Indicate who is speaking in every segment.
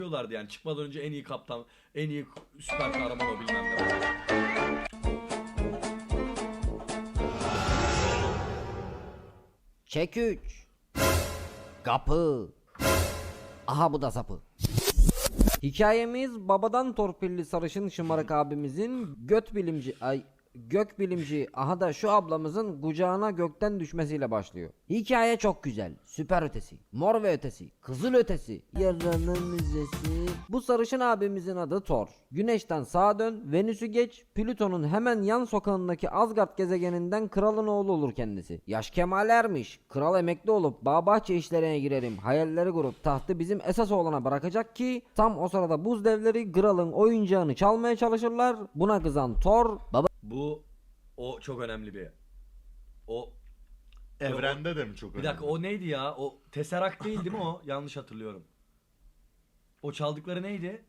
Speaker 1: diyorlardı yani çıkmadan önce en iyi kaptan, en iyi süper kahraman o bilmem ne.
Speaker 2: Çek 3. Kapı. Aha bu da sapı. Hikayemiz babadan torpilli sarışın şımarık abimizin gök bilimci aha da şu ablamızın kucağına gökten düşmesiyle başlıyor. Hikaye çok güzel, süper ötesi, mor ve ötesi, kızıl ötesi, yaranın müzesi. Bu sarışın abimizin adı Thor. Güneşten sağa dön, Venüs'ü geç, Plüton'un hemen yan sokağındaki Asgard gezegeninden kralın oğlu olur kendisi. Yaş kemal ermiş, kral emekli olup bağ bahçe işlerine girerim, hayalleri kurup tahtı bizim esas oğlana bırakacak ki tam o sırada buz devleri kralın oyuncağını çalmaya çalışırlar. Buna kızan Thor
Speaker 1: Bu o çok önemli bir. O
Speaker 3: Evrende de mi çok
Speaker 1: bir dakika o neydi ya? O Tesseract değil mi o? Yanlış hatırlıyorum. O çaldıkları neydi?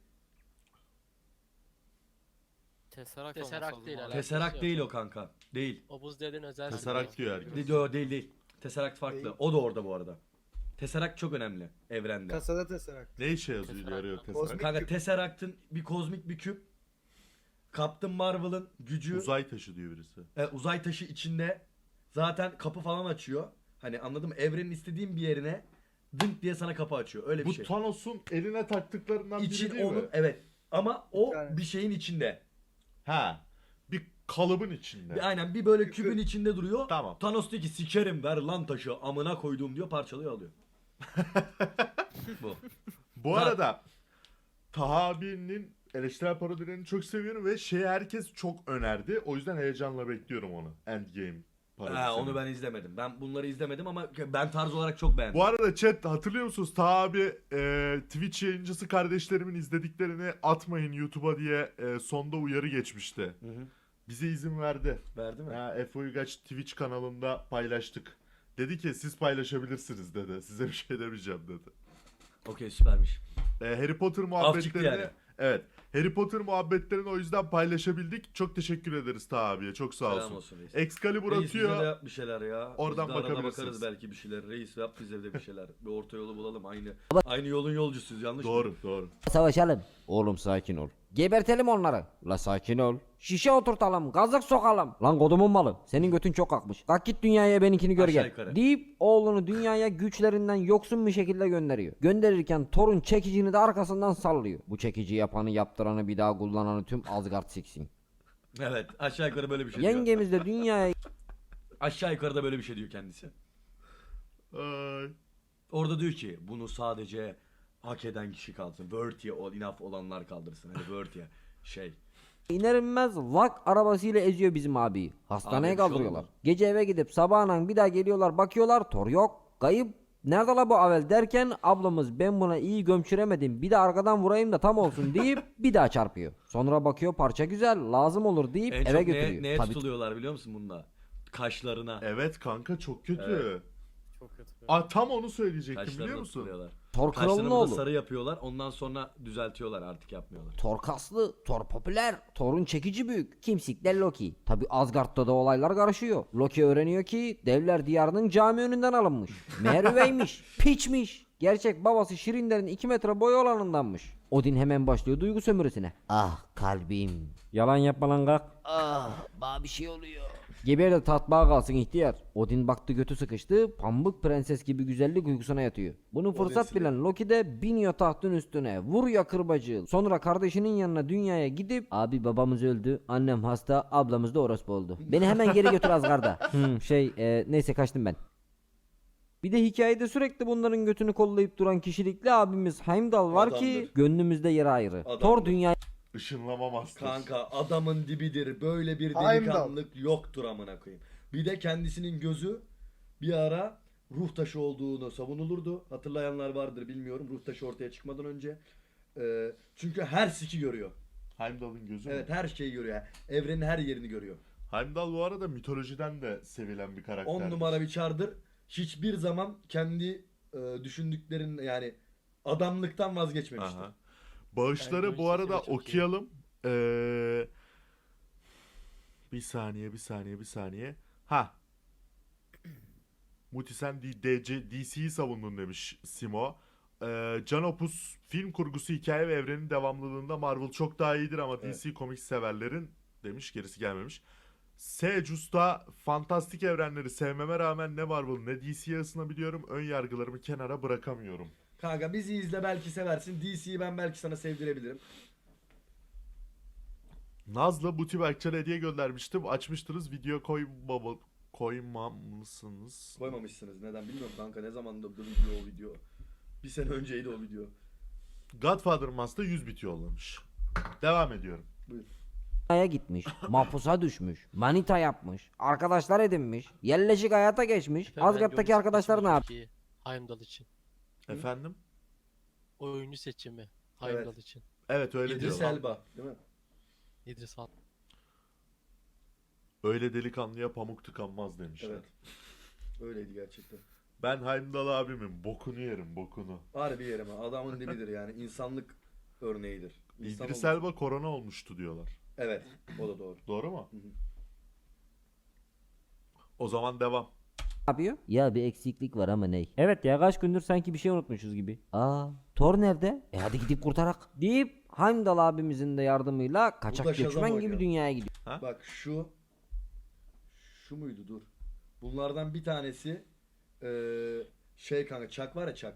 Speaker 4: Tesseract
Speaker 5: Tesseract
Speaker 4: olması
Speaker 5: değil
Speaker 4: lazım.
Speaker 5: alakası
Speaker 1: Tesseract
Speaker 5: yok.
Speaker 1: değil o kanka. Değil.
Speaker 5: O buz devrin özel
Speaker 3: Tesseract
Speaker 5: silahı.
Speaker 3: diyor herkes.
Speaker 1: Değil. Tesseract farklı. O da orada bu arada. Tesseract çok önemli evrende.
Speaker 6: Kasada Tesseract.
Speaker 3: Ne işe yazıyor
Speaker 5: Tesseract.
Speaker 3: yarıyor
Speaker 6: Kozmik-
Speaker 3: Tesseract?
Speaker 1: Kanka Tesseract'ın bir kozmik bir küp. Captain Marvel'ın gücü
Speaker 3: Uzay taşı diyor birisi.
Speaker 1: uzay taşı içinde zaten kapı falan açıyor. Hani anladın mı? Evrenin istediğin bir yerine dınk diye sana kapı açıyor. Öyle bir
Speaker 3: Bu
Speaker 1: şey.
Speaker 3: Thanos'un eline taktıklarından biri
Speaker 1: İçin
Speaker 3: değil
Speaker 1: onun
Speaker 3: mi?
Speaker 1: evet. Ama o
Speaker 6: Bir tane.
Speaker 1: bir şeyin içinde.
Speaker 3: Ha. Bir kalıbın içinde.
Speaker 1: Aynen bir böyle
Speaker 6: Küpü.
Speaker 1: kübün içinde duruyor.
Speaker 3: Tamam.
Speaker 1: Thanos diyor ki sikerim ver lan taşı amına koyduğum diyor parçalıyor alıyor. Bu.
Speaker 3: Bu arada Taha abinin eleştirel parodilerini çok seviyorum ve herkes çok önerdi. O yüzden heyecanla bekliyorum onu. Endgame parodisini.
Speaker 1: Onu ben izlemedim. Ben bunları izlemedim ama ben tarz olarak çok beğendim.
Speaker 3: Bu arada chat hatırlıyor musunuz? Taha abi Twitch yayıncısı kardeşlerimin izlediklerini atmayın YouTube'a diye sonda uyarı geçmişti.
Speaker 1: Hı hı.
Speaker 3: Bize izin verdi.
Speaker 1: Verdi mi?
Speaker 3: Ha, Efe Uygaç Twitch kanalında paylaştık. Dedi ki siz paylaşabilirsiniz dedi. Size bir şey demeyeceğim dedi.
Speaker 1: Okey süpermiş.
Speaker 3: Harry Potter
Speaker 1: çıktı
Speaker 3: muhabbetlerini
Speaker 1: yani.
Speaker 3: evet. Harry Potter muhabbetlerini o yüzden paylaşabildik. Çok teşekkür ederiz Taha abiye. Çok sağ
Speaker 1: Selam
Speaker 3: olsun.
Speaker 1: olsun reis.
Speaker 3: Excalibur
Speaker 1: Reis bize de
Speaker 3: atıyor.
Speaker 1: yap bir şeyler ya.
Speaker 3: Oradan
Speaker 1: Biz de arada
Speaker 3: bakabilirsiniz.
Speaker 1: bakarız belki bir şeyler. Reis yap bize de bir şeyler. Bir orta yolu bulalım. Aynı yolun yolcusuyuz yanlış mı?
Speaker 3: Doğru.
Speaker 2: savaşalım. Oğlum sakin ol. Gebertelim onları. La sakin ol. Şişe oturtalım, gazık sokalım. Lan kodumun malı, senin götün çok kalkmış. Kalk git dünyaya benimkini gör
Speaker 1: Aşağı
Speaker 2: gel.
Speaker 1: yukarı.
Speaker 2: Deyip oğlunu dünyaya güçlerinden yoksun bir şekilde gönderiyor. Gönderirken Thor'un çekicini de arkasından sallıyor. Bu çekici yapanı yaptıranı bir daha kullananı tüm Asgard siksin.
Speaker 1: Evet aşağı yukarı böyle bir şey diyor.
Speaker 2: Yengemiz de dünyaya
Speaker 1: Aşağı yukarıda böyle bir şey diyor kendisi.
Speaker 3: Ay.
Speaker 1: Orada diyor ki bunu sadece hak eden kişi kaldırsın. Worthy enough olanlar kaldırsın. Hani worthy şey.
Speaker 2: iner inmez lak arabasıyla eziyor bizim abiyi. Hastaneye
Speaker 1: Abi bir şey
Speaker 2: kaldırıyorlar.
Speaker 1: oldu mu?
Speaker 2: Gece eve gidip sabahına bir daha geliyorlar bakıyorlar Thor yok. Kayıp. Nerede la bu Avel derken ablamız ben buna iyi gömçüremedim bir de arkadan vurayım da tam olsun deyip bir daha çarpıyor. Sonra bakıyor parça güzel lazım olur deyip
Speaker 1: En
Speaker 2: eve
Speaker 1: çok
Speaker 2: götürüyor.
Speaker 1: neye
Speaker 2: Tabii
Speaker 1: tutuluyorlar biliyor musun bununla? Kaşlarına.
Speaker 3: Evet kanka çok kötü.
Speaker 1: Evet.
Speaker 5: Çok kötü.
Speaker 3: Tam onu söyleyecektim biliyor
Speaker 1: Kaşlarına
Speaker 3: musun?
Speaker 1: tutuluyorlar.
Speaker 2: Thor kralın
Speaker 1: Kaşlarını burada
Speaker 2: oğlu.
Speaker 1: sarı yapıyorlar. Ondan sonra düzeltiyorlar artık yapmıyorlar.
Speaker 2: Thor kaslı, Thor popüler, Thor'un çekici büyük. Kimsikler Loki. Tabi Asgard'da da olaylar karışıyor. Loki öğreniyor ki devler diyarının cami önünden alınmış. Meğer üveymiş, piçmiş. Gerçek babası Şirinler'in 2 metre boyu olanındanmış. Odin hemen başlıyor duygu sömürüsüne. Ah kalbim. Yalan yapma lan kalk. Ah bana bir şey oluyor. Geber de tatbağa kalsın ihtiyar. Odin baktı götü sıkıştı. Pamuk prenses gibi güzellik uykusuna yatıyor. Bunu fırsat
Speaker 1: Odin
Speaker 2: bilen Loki de biniyor tahtın üstüne. Vuruyor kırbacı. Sonra kardeşinin yanına dünyaya gidip abi babamız öldü. Annem hasta. Ablamız da orospu oldu. Beni hemen geri götür Asgard'a. Neyse kaçtım ben. Bir de hikayede sürekli bunların götünü kollayıp duran kişilikli abimiz Heimdall var ki
Speaker 1: Adamdır.
Speaker 2: gönlümüzde yeri ayrı.
Speaker 1: Adamdır.
Speaker 2: Thor dünya
Speaker 3: Işınlama master.
Speaker 1: Kanka adamın dibidir. Böyle bir
Speaker 6: Heimdall.
Speaker 1: delikanlılık yoktur amına koyayım. Bir de kendisinin gözü bir ara ruh taşı olduğunu savunulurdu. Hatırlayanlar vardır bilmiyorum. Ruh taşı ortaya çıkmadan önce. Çünkü her siki görüyor.
Speaker 3: Heimdall'ın gözü mü?
Speaker 1: Evet her şeyi görüyor. Evrenin her yerini görüyor.
Speaker 3: Heimdall bu arada mitolojiden de sevilen bir karakter.
Speaker 1: 10 numara bir çardır. Hiçbir zaman kendi düşündüklerin yani adamlıktan vazgeçmemiştir.
Speaker 3: Aha. Bağışları
Speaker 5: Yani bu
Speaker 3: bu arada
Speaker 5: ikisi de çok iyi.
Speaker 3: okuyalım. Bir saniye. Ha. Muti sen DC'yi savundun demiş Simo. Can Opus film kurgusu, hikaye ve evrenin devamlılığında Marvel çok daha iyidir ama DC Comics severlerin demiş, gerisi gelmemiş. Usta fantastik evrenleri sevmeme rağmen ne Marvel ne DC'ye ısınabiliyorum. Ön yargılarımı kenara bırakamıyorum.
Speaker 1: Kanka bizi izle, belki seversin. DC'yi ben belki sana sevdirebilirim.
Speaker 3: Nazlı Buti Berkçar'a hediye göndermiştim. Açmıştınız, video koymamışsınız.
Speaker 1: Koymamışsınız. Neden bilmiyorum kanka. Ne zamandı o video? Bir sene önceydi o video.
Speaker 3: Godfather Master 100 bit yollamış. Devam ediyorum.
Speaker 1: Buyur.
Speaker 2: Dünyaya gitmiş, mahpusa düşmüş, manita yapmış, arkadaşlar edinmiş, yerleşik hayata geçmiş.
Speaker 4: Efendim, ben
Speaker 2: Asgard'daki
Speaker 4: oyuncu
Speaker 2: arkadaşlar ne
Speaker 4: seçimi
Speaker 2: yaptı?
Speaker 4: Türkiye, Heimdall için.
Speaker 3: Efendim?
Speaker 4: Oyuncu seçimi Heimdall için.
Speaker 3: Evet öyle
Speaker 1: İdris
Speaker 3: diyorlar.
Speaker 1: Elba, değil mi?
Speaker 4: İdris Elba.
Speaker 3: Öyle delikanlıya pamuk tıkanmaz demişler.
Speaker 1: Evet. Öyleydi gerçekten.
Speaker 3: Ben Heimdall abimin bokunu yerim, bokunu.
Speaker 1: Harbi yerim ha. Adamın dibidir yani. İnsanlık örneğidir. İnsan
Speaker 3: İdris
Speaker 1: olması-
Speaker 3: Elba korona olmuştu diyorlar.
Speaker 1: Evet. O da doğru.
Speaker 3: Doğru mu?
Speaker 1: Hı hı.
Speaker 3: O zaman devam.
Speaker 2: Yapıyor? Ya bir eksiklik var ama ney? Evet ya, kaç gündür sanki bir şey unutmuşuz gibi. Aa, Thor nerede? Hadi gidip kurtarak. Deyip Heimdall abimizin de yardımıyla kaçak
Speaker 1: Shazam
Speaker 2: göçmen gibi
Speaker 1: oynuyor.
Speaker 2: dünyaya gidiyor.
Speaker 1: Bak şu muydu, dur. Bunlardan bir tanesi şey kanka, Chuck var ya, Chuck.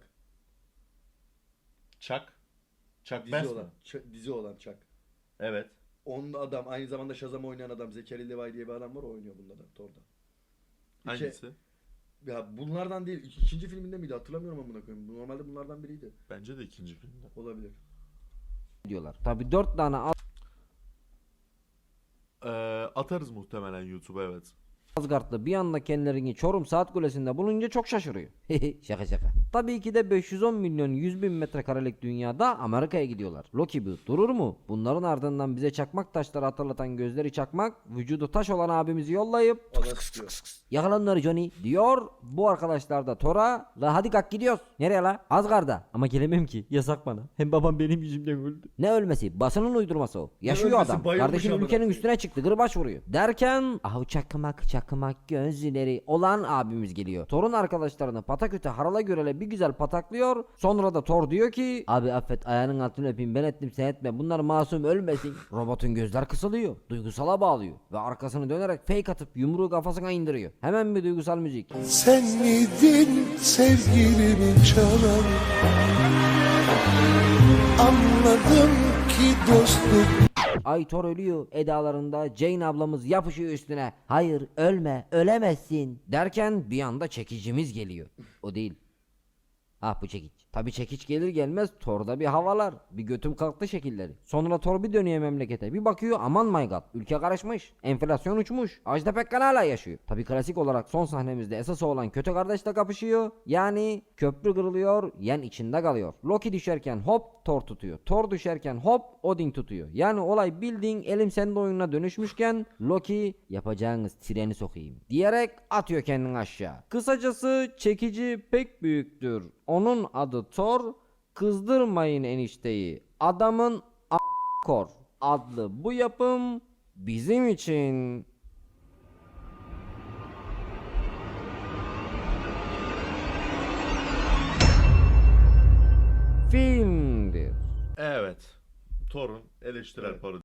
Speaker 3: Chuck. Chuck
Speaker 1: Dizi
Speaker 3: Bass
Speaker 1: olan.
Speaker 3: mı?
Speaker 1: Dizi olan Chuck.
Speaker 3: Evet.
Speaker 1: Onun adam, aynı zamanda Shazam oynayan adam, Zachary Levi diye bir adam var, o oynuyor bunda da, Thor'da.
Speaker 3: Hangisi?
Speaker 1: Ya bunlardan değil, ikinci filminde miydi hatırlamıyorum amına koyayım. Normalde bunlardan biriydi.
Speaker 3: Bence de ikinci filmde.
Speaker 1: Olabilir.
Speaker 2: diyorlar. Tabi 4 tane
Speaker 3: Atarız muhtemelen YouTube'a, evet.
Speaker 2: Asgard'da bir anda kendilerini Çorum Saat Kulesi'nde bulunca çok şaşırıyor. Şaka şaka. Tabii ki de 510 milyon 100 bin metrekarelik dünyada Amerika'ya gidiyorlar. Loki bu durur mu? Bunların ardından bize çakmak taşları hatırlatan gözleri çakmak, vücudu taş olan abimizi yollayıp
Speaker 1: Ada sıkıyor.
Speaker 2: yakala onları Johnny diyor. Bu arkadaşlar da Thor'a la hadi kalk gidiyoruz. Nereye la? Asgard'a. Ama gelemem ki, yasak bana. Hem babam benim yüzümden öldü. Ne ölmesi? Basının uydurması o. Yaşıyor
Speaker 1: ölmesi?
Speaker 2: adam.
Speaker 1: Bayılmış
Speaker 2: Kardeşim
Speaker 1: amına
Speaker 2: ülkenin
Speaker 1: koyayım.
Speaker 2: üstüne çıktı. Gırbaç vuruyor. Derken ahu çakmak gözleri olan abimiz geliyor. Thor'un arkadaşlarını pataküte harala görele bir güzel pataklıyor. Sonra da Thor diyor ki abi affet, ayağının altını öpeyim, ben ettim sen etme, bunlar masum ölmesin. Robotun gözler kısılıyor. Duygusala bağlıyor. Ve arkasını dönerek fake atıp yumruğu kafasına indiriyor. Hemen bir duygusal müzik.
Speaker 5: Sen miydin sevgilimi çalan? Anladım ki dostluk
Speaker 2: Ay Thor ölüyor edalarında Jane ablamız yapışıyor üstüne. Hayır ölme, ölemezsin derken bir anda çekicimiz geliyor. O değil. Ah bu çekiç. Tabi çekiç gelir gelmez Thor'da bir havalar. Bir götüm kalktı şekilleri. Sonra Thor bir dönüyor memlekete. Bir bakıyor aman my god. Ülke karışmış. Enflasyon uçmuş. Ajda Pekkan hala yaşıyor. Tabi klasik olarak son sahnemizde esas olan kötü kardeşle kapışıyor. Yani köprü kırılıyor, yen içinde kalıyor. Loki düşerken hop Thor tutuyor. Thor düşerken hop Odin tutuyor. Yani olay bildiğin elim sende oyununa dönüşmüşken Loki yapacağınız treni sokayım diyerek atıyor kendini aşağı. Kısacası çekici pek büyüktür. Onun adı Thor. Kızdırmayın enişteyi. Adamın kor adlı bu yapım bizim için filmdir.
Speaker 3: Evet. Thor'un eleştirel
Speaker 1: Evet.
Speaker 3: parodisi.